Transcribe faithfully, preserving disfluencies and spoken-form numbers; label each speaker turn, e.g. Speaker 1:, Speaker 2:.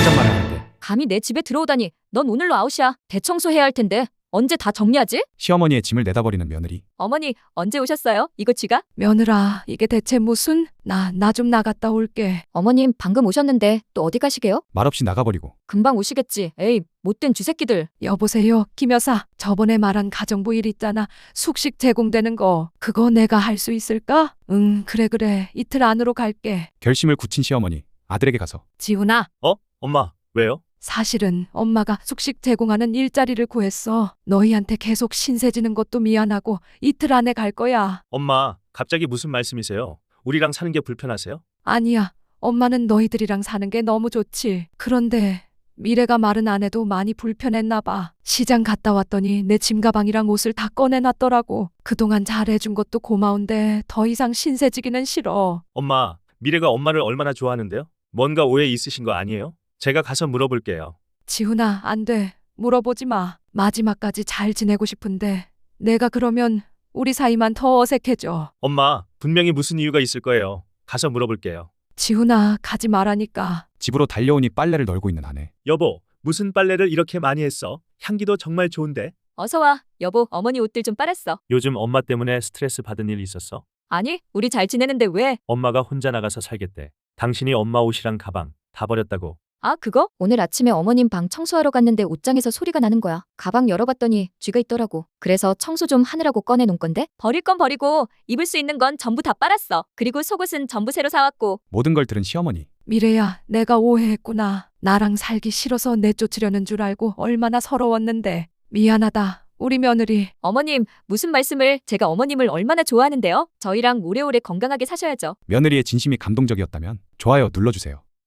Speaker 1: 당장 말해야 할 때.
Speaker 2: 감히 내 집에 들어오다니. 넌 오늘로 아웃이야. 대청소해야 할 텐데 언제 다 정리하지?
Speaker 1: 시어머니의 짐을 내다버리는 며느리.
Speaker 2: 어머니 언제 오셨어요? 이거 쥐가?
Speaker 3: 며느라, 이게 대체 무슨? 나, 나 좀 나갔다 올게.
Speaker 2: 어머님 방금 오셨는데 또 어디 가시게요?
Speaker 1: 말없이 나가버리고.
Speaker 2: 금방 오시겠지. 에이 못된 쥐새끼들.
Speaker 3: 여보세요, 김 여사. 저번에 말한 가정부 일 있잖아. 숙식 제공되는 거. 그거 내가 할 수 있을까? 응, 그래 그래. 이틀 안으로 갈게.
Speaker 1: 결심을 굳힌 시어머니. 아들에게 가서.
Speaker 3: 지훈아,
Speaker 4: 어? 엄마, 왜요?
Speaker 3: 사실은 엄마가 숙식 제공하는 일자리를 구했어. 너희한테 계속 신세지는 것도 미안하고 이틀 안에 갈 거야.
Speaker 4: 엄마, 갑자기 무슨 말씀이세요? 우리랑 사는 게 불편하세요?
Speaker 3: 아니야. 엄마는 너희들이랑 사는 게 너무 좋지. 그런데 미래가 말은 안 해도 많이 불편했나 봐. 시장 갔다 왔더니 내 짐 가방이랑 옷을 다 꺼내놨더라고. 그동안 잘해준 것도 고마운데 더 이상 신세지기는 싫어.
Speaker 4: 엄마, 미래가 엄마를 얼마나 좋아하는데요? 뭔가 오해 있으신 거 아니에요? 제가 가서 물어볼게요.
Speaker 3: 지훈아, 안 돼. 물어보지 마. 마지막까지 잘 지내고 싶은데 내가 그러면 우리 사이만 더 어색해져.
Speaker 4: 엄마, 분명히 무슨 이유가 있을 거예요. 가서 물어볼게요.
Speaker 3: 지훈아, 가지 말라니까.
Speaker 1: 집으로 달려오니 빨래를 널고 있는 아내.
Speaker 4: 여보, 무슨 빨래를 이렇게 많이 했어? 향기도 정말 좋은데?
Speaker 2: 어서와. 여보 어머니 옷들 좀 빨았어.
Speaker 4: 요즘 엄마 때문에 스트레스 받은 일 있었어?
Speaker 2: 아니 우리 잘 지내는데 왜?
Speaker 4: 엄마가 혼자 나가서 살겠대. 당신이 엄마 옷이랑 가방 다 버렸다고.
Speaker 2: 아 그거? 오늘 아침에 어머님 방 청소하러 갔는데 옷장에서 소리가 나는 거야. 가방 열어봤더니 쥐가 있더라고. 그래서 청소 좀 하느라고 꺼내놓은 건데? 버릴 건 버리고 입을 수 있는 건 전부 다 빨았어. 그리고 속옷은 전부 새로 사왔고.
Speaker 1: 모든 걸 들은 시어머니.
Speaker 3: 미래야, 내가 오해했구나. 나랑 살기 싫어서 내쫓으려는 줄 알고 얼마나 서러웠는데. 미안하다. 우리 며느리.
Speaker 2: 어머님 무슨 말씀을. 제가 어머님을 얼마나 좋아하는데요. 저희랑 오래오래 건강하게 사셔야죠.
Speaker 1: 며느리의 진심이 감동적이었다면 좋아요 눌러주세요.